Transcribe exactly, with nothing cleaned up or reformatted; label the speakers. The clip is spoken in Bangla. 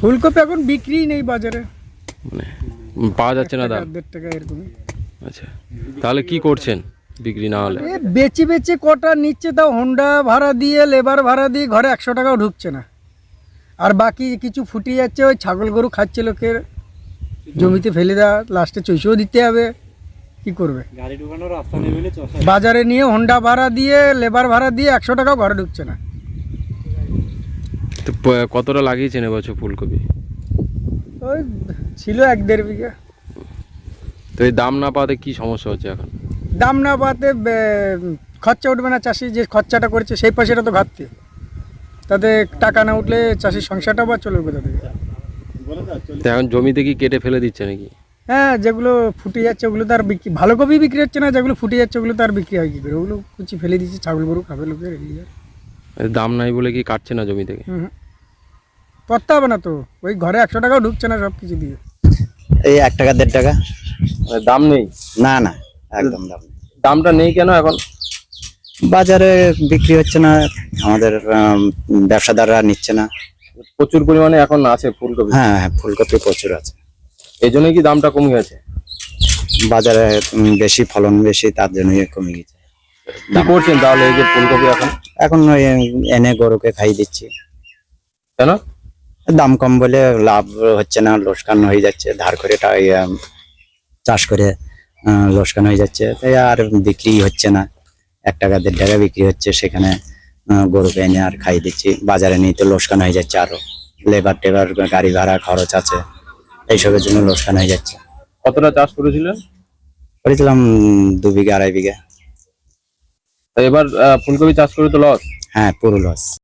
Speaker 1: ফুলকপি এখন বিক্রি নেই বাজারে,
Speaker 2: মানে পাওয়া যাচ্ছে না দাম?
Speaker 1: দেড় টাকা এরকমই।
Speaker 2: আচ্ছা, তাহলে কি করছেন বিক্রি না হলে?
Speaker 1: এ বেচে বেচে কটা নিচ্ছে, তাও হোন্ডা ভাড়া দিয়ে লেবার ভাড়া দিয়ে ঘরে একশো টাকাও ঢুকছে না। আর বাকি কিছু ফুটে যাচ্ছে, ওই ছাগল গরু খাচ্ছে লোকের, জমিতে ফেলে দেওয়া, লাস্টে চৈষেও দিতে হবে, কি করবে?
Speaker 3: গাড়ি ঢুকানোর রাস্তা নেই বলে চষা।
Speaker 1: বাজারে নিয়ে হোন্ডা ভাড়া দিয়ে লেবার ভাড়া দিয়ে একশো টাকাও ঘরে ঢুকছে না।
Speaker 2: তো প- কতটা লাগিয়েছেন এবছর ফুলকপি?
Speaker 1: ওই ছিল এক দেড় বিঘা।
Speaker 2: তো এই দাম না পাওয়াতে কি সমস্যা হচ্ছে এখন?
Speaker 1: দাম না পাতে বে- খরচা উঠবে না, চাষি যে খরচাটা করেছে সেই পয়সাটা তো ঘাটতি, তাতে টাকা না উঠলে চাষির সংসারটা বা চলবে কোথা থেকে?
Speaker 2: তো এখন জমিতে কি কেটে ফেলে দিচ্ছে নাকি?
Speaker 1: হ্যাঁ, যেগুলো ফুটে যাচ্ছে ওগুলো তো আর বিক্রি, ভালো কপি বিক্রি হচ্ছে না, যেগুলো ফুটে যাচ্ছে ওগুলো তো আর বিক্রি হয় কী করে? ওগুলো কুচি ফেলে দিচ্ছে, ছাগল গরু খাবে লোকের, এই আর।
Speaker 2: এর দাম নাই বলে কি কাটছে না জমি থেকে?
Speaker 1: হুম হুম। করতে হবে না তো, ওই ঘরে একশো টাকাও ঢুকছে না সব কিছু দিয়ে।
Speaker 4: এই এক টাকা দেড় টাকা।
Speaker 2: মানে দাম নেই?
Speaker 4: না না, একদম দাম নেই।
Speaker 2: দামটা নেই কেন এখন?
Speaker 4: বাজারে বিক্রি হচ্ছে না, আমাদের আম, ব্যবসাদাররা নিচ্ছে না।
Speaker 2: প্রচুর পরিমাণে এখন আছে ফুলকপি,
Speaker 4: হ্যাঁ হ্যাঁ, ফুলকপি প্রচুর আছে।
Speaker 2: এই জন্যই কি দামটা কমে গেছে?
Speaker 4: বাজারে উম, বেশি ফলন বেশি, তার জন্যই কমে গেছে।
Speaker 2: কি করছেন তাহলে এই যে ফুলকপি এখন?
Speaker 4: এখন ওই এনে গরুকে খাই দিচ্ছি।
Speaker 2: কেন?
Speaker 4: দাম কম বলে লাভ হচ্ছে না, লোকসান হয়ে যাচ্ছে। ধার করে টা- ইয়ে, চাষ করে আহ, লোকসান হয়ে যাচ্ছে, তাই আর বিক্রি হচ্ছে না। এক টাকা দেড় টাকা বিক্রি হচ্ছে, সেখানে আহ, গরুকে এনে আর খাই দিচ্ছি। বাজারে নিয়ে তো লোকসান হয়ে যাচ্ছে, আরো লেবার টেবার গাড়ি ভাড়া খরচ আছে, এইসবের জন্য লোকসান হয়ে যাচ্ছে।
Speaker 2: কতটা চাষ করেছিলেন?
Speaker 4: করেছিলাম দু বিঘা আড়াই বিঘা।
Speaker 2: তো এবার আহ, ফুলকপি চাষ করে তো লস?
Speaker 4: হ্যাঁ, পুরো লস।